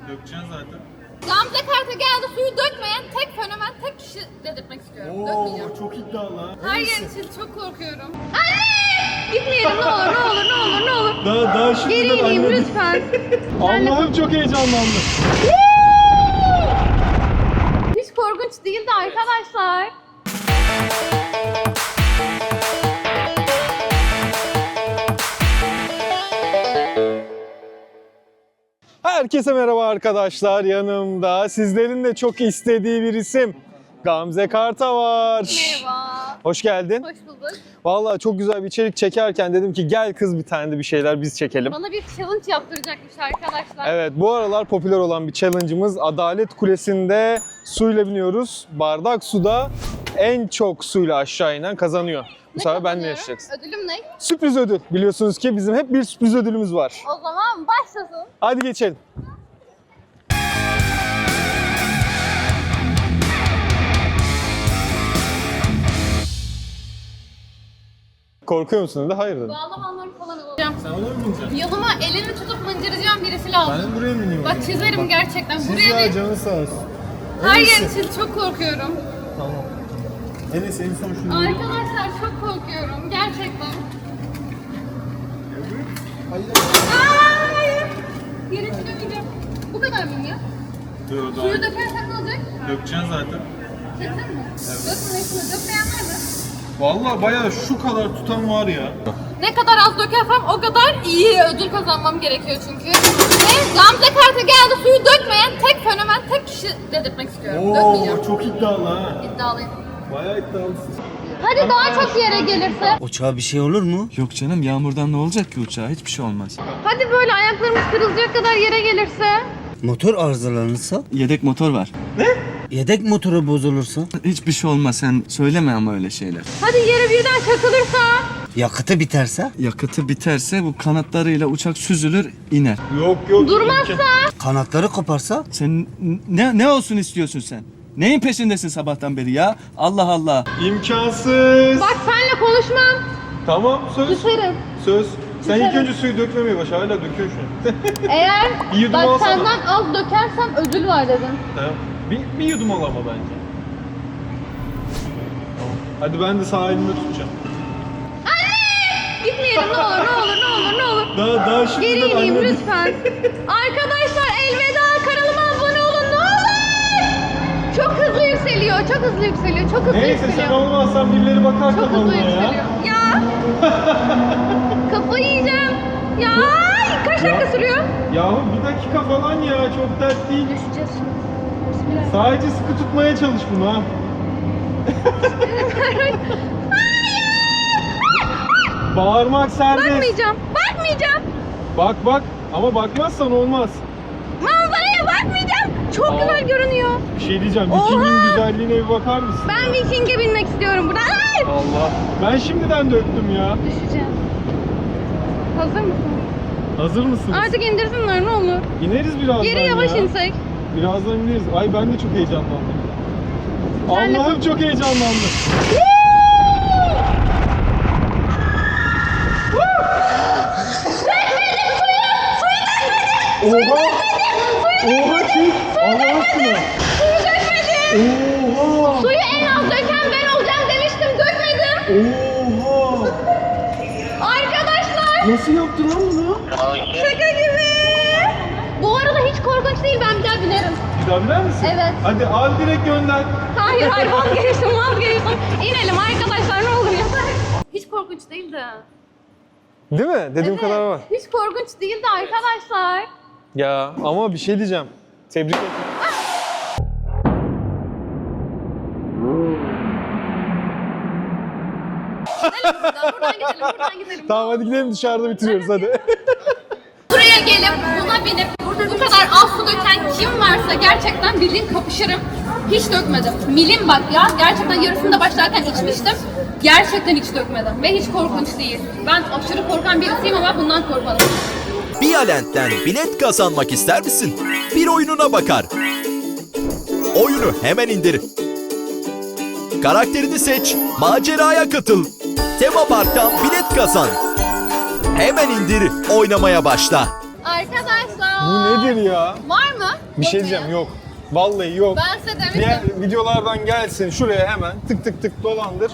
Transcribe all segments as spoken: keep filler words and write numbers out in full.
Dökeceksin zaten. Gamze Kart'a geldi, suyu dökmeyen tek fenomen, tek kişi dedirtmek istiyorum. Dökmeyeceğim. Oo, çok iddialı. Her yer için çok korkuyorum. Anne! Gitmeyelim, ne olur ne olur ne olur ne olur. Daha daha şimdi Geri ineyim lütfen. Allah'ım çok heyecanlandım. Hiç korkunç değildi arkadaşlar. Herkese merhaba arkadaşlar. Yanımda sizlerin de çok istediği bir isim Gamze Karta var. Merhaba. Hoş geldin. Hoş bulduk. Vallahi çok güzel bir içerik çekerken dedim ki gel kız bir tane de bir şeyler biz çekelim. Bana bir challenge yaptıracakmış arkadaşlar. Evet, bu aralar popüler olan bir challenge'ımız Adalet Kulesi'nde suyla biniyoruz. Bardak suda en çok suyla aşağı inen kazanıyor. Bu sefer ben ne yaşayacaksın? Ödülüm ne? Sürpriz ödül. Biliyorsunuz ki bizim hep bir sürpriz ödülümüz var. O zaman başlasın. Hadi geçelim. Korkuyor musun dedi? Hayır dedim. Bağlamanları falan alacağım. Sen ona mı bineceksin? Yoluma elini tutup mıncıracağım birisi lazım. Ben de buraya mı bineyim? Bak çizerim gerçekten. Buraya değil. Canı sağ olsun. Her yer için çok korkuyorum. Tamam. Enes en son şunu... Arkadaşlar çok korkuyorum. Gerçekten. Hayır. Hayır. Yere çıkamayacağım. Bu kadar mı ya? Dur, dur. Suyu dökersen ne olacak? Dökeceksin zaten. Kesin mi? Dökme hepsini. Dökmeyen var mı? Vallahi bayağı şu kadar tutan var ya. Ne kadar az dökersem o kadar iyi ödül kazanmam gerekiyor çünkü. Ve Gamze Kart'a geldi, suyu dökmeyen tek fenomen, tek kişi dedirtmek istiyorum. Dökmeyeceğim. çok iddialı ha. İddialıyım. Bayağı iddialısın. Hadi daha çok yere gelirse. Uçağa bir şey olur mu? Yok canım, yağmurdan ne olacak ki uçağa? Hiçbir şey olmaz. Hadi böyle ayaklarımız kırılacak kadar yere gelirse. Motor arızalanırsa? Yedek motor var. Yedek motoru bozulursa? Hiçbir şey olmaz, sen söyleme ama öyle şeyler. Hadi yere birden çakılırsa. Yakıtı biterse? Yakıtı biterse bu kanatlarıyla uçak süzülür, iner. Yok yok. Durmazsa. Kanatları koparsa? Sen ne ne olsun istiyorsun sen? Neyin peşindesin sabahtan beri ya? Allah Allah. İmkansız. Bak senle konuşmam. Tamam söz. Düşerim. Söz. Sen ilk Düşerim. önce suyu dökmemeye başla. Hala döküyorsun şu an. Eğer Bir yudum bak alsana. senden az dökersem ödül var dedim. Tamam. Bir, bir yudum al ama bence. Tamam. Hadi ben de sağ elimi tutacağım. Gitmeyelim ne olur ne olur ne olur ne olur. Daha daha şimdi Geri ineyim lütfen. Arkadaşlar elveda, kanalıma abone olun ne olur. Çok hızlı yükseliyor, çok hızlı yükseliyor, çok hızlı Neyse sen yükseliyor. olmazsan birileri bakar Çok hızlı kanalıma yükseliyor. ya. Ya. Kafayı yiyeceğim. Ya kaç dakika sürüyor? Yahu bir dakika falan ya, çok dert değil. Düşeceğiz şimdi. Bismillah. Sadece sıkı tutmaya çalış bunu ha. Bağırmak serbest. Bakmayacağım, bakmayacağım. Bak bak ama bakmazsan olmaz. Manzaraya bakmayacağım. Çok Aa. güzel görünüyor. Bir şey diyeceğim. Oha! Viking'in güzelliğine bir bakar mısın? Ben Viking'e binmek istiyorum burada. Ay! Allah. Ben şimdiden döktüm ya. Düşeceğim. Hazır mısın? Hazır mısınız? Artık indirsinler ne olur. İneriz birazdan Geri yavaş ya. insek. Birazdan ineriz. Ay ben de çok heyecanlandım. Sen de- Allah'ım çok heyecanlandım. Oha! Oha çek! Allah aşkına! Oha! Suyu en az döken ben olacağım demiştim, dökmedim. Oha! Arkadaşlar, Nasıl yaptın lan bunu? şaka gibi. Bu arada hiç korkunç değil, ben bir daha binerim. Bir daha biner misin? Evet. Hadi al direkt gönder. Hayır hayır vazgeçtim vazgeçtim. İnelim arkadaşlar ne olur yeter. Hiç korkunç değildi. Değil mi? Dediğim kadar var. Hiç korkunç değildi arkadaşlar. Ya ama bir şey diyeceğim. Tebrik ederim. Buradan gidelim, buradan gidelim. Tamam hadi gidelim, dışarıda bitiriyoruz hadi. Buraya gelip buna binip burada bu kadar az su döken kim varsa gerçekten bildiğin kapışırım. Hiç dökmedim. Milim bak ya. Gerçekten yarısını da başlarken içmiştim. Gerçekten hiç dökmedim. Ve hiç korkunç değil. Ben aşırı korkan birisiyim ama bundan korkmadım. Bialent'ten bilet kazanmak ister misin? Bir oyununa bakar. Oyunu hemen indir. Karakterini seç, maceraya katıl. Tema Park'tan bilet kazan. Hemen indir, oynamaya başla. Arkadaşlar Bu nedir ya? Var mı? Bir şey diyeceğim, yok. Vallahi yok. Ben size demiştim. Diğer videolardan gelsin şuraya hemen tık tık tık dolandır.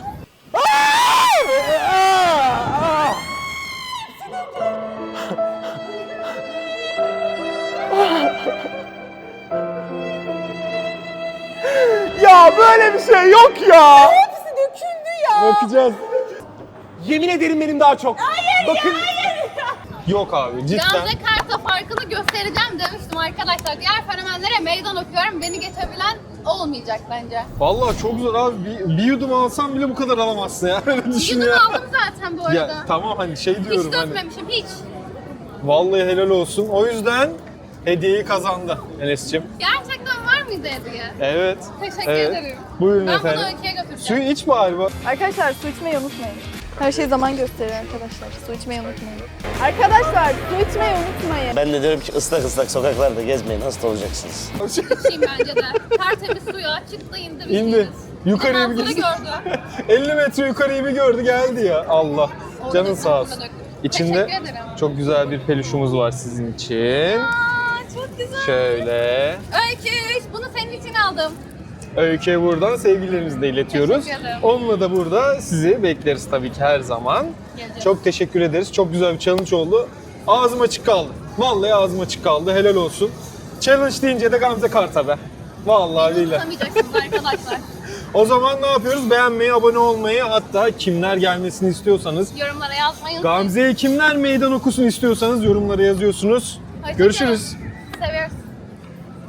Ya böyle bir şey yok ya. Hepsi döküldü ya. Bakacağız. Yemin ederim benim daha çok. Bakın. Yok abi cidden. Gamze Kart'a farkını göstereceğim demiştim arkadaşlar. Diğer fenomenlere meydan okuyorum. Beni geçebilen olmayacak bence. Vallahi çok zor abi. Bir, bir yudum alsam bile bu kadar alamazsın ya. Öyle düşün Yudum ya. aldım zaten bu arada. Ya tamam hani şey diyorum Hiç hani. dökmemişim hiç. Vallahi helal olsun. O yüzden hediyeyi kazandı Enes'cim. Gerçekten var mıydı hediye? Evet. Teşekkür evet. ederim. Buyurun Ben efendim. bunu Öykü'ye götüreceğim. Suyu iç bari bak. Arkadaşlar su içmeyi unutmayın. Her şey zaman gösteriyor arkadaşlar. Su içmeyi unutmayın. Arkadaşlar su içmeyi unutmayın. Ben de diyorum ki ıslak ıslak sokaklarda gezmeyin, hasta olacaksınız. İçeyim bence de. Tertemiz suya çıktı indi. bir İndi. şeyiz. Yukarıya bir Manzara gitsin. gördü. elli metre yukarıyı bir gördü geldi ya. Allah. Orada Canın sağ olsun. döktüm. İçinde Teşekkür ederim. çok güzel bir peluşumuz var sizin için. Aa, çok güzel. Şöyle. Öykü, bunu senin için aldım. Öykü'ye buradan sevgilerimizi de iletiyoruz. Teşekkür ederim. Onunla da burada sizi bekleriz tabii ki her zaman. Geleceğiz. Çok teşekkür ederiz. Çok güzel bir challenge oldu. Ağzım açık kaldı. Vallahi ağzım açık kaldı. Helal olsun. Challenge deyince de Gamze Kart'a be. Vallahi billahi. Unutamayacaksınız arkadaşlar. O zaman ne yapıyoruz? Beğenmeyi, abone olmayı, hatta kimler gelmesini istiyorsanız, Yorumlara yazmayı unutmayın. Gamze'ye kimler meydan okusun istiyorsanız yorumlara yazıyorsunuz. Hoşça Görüşürüz. kalın.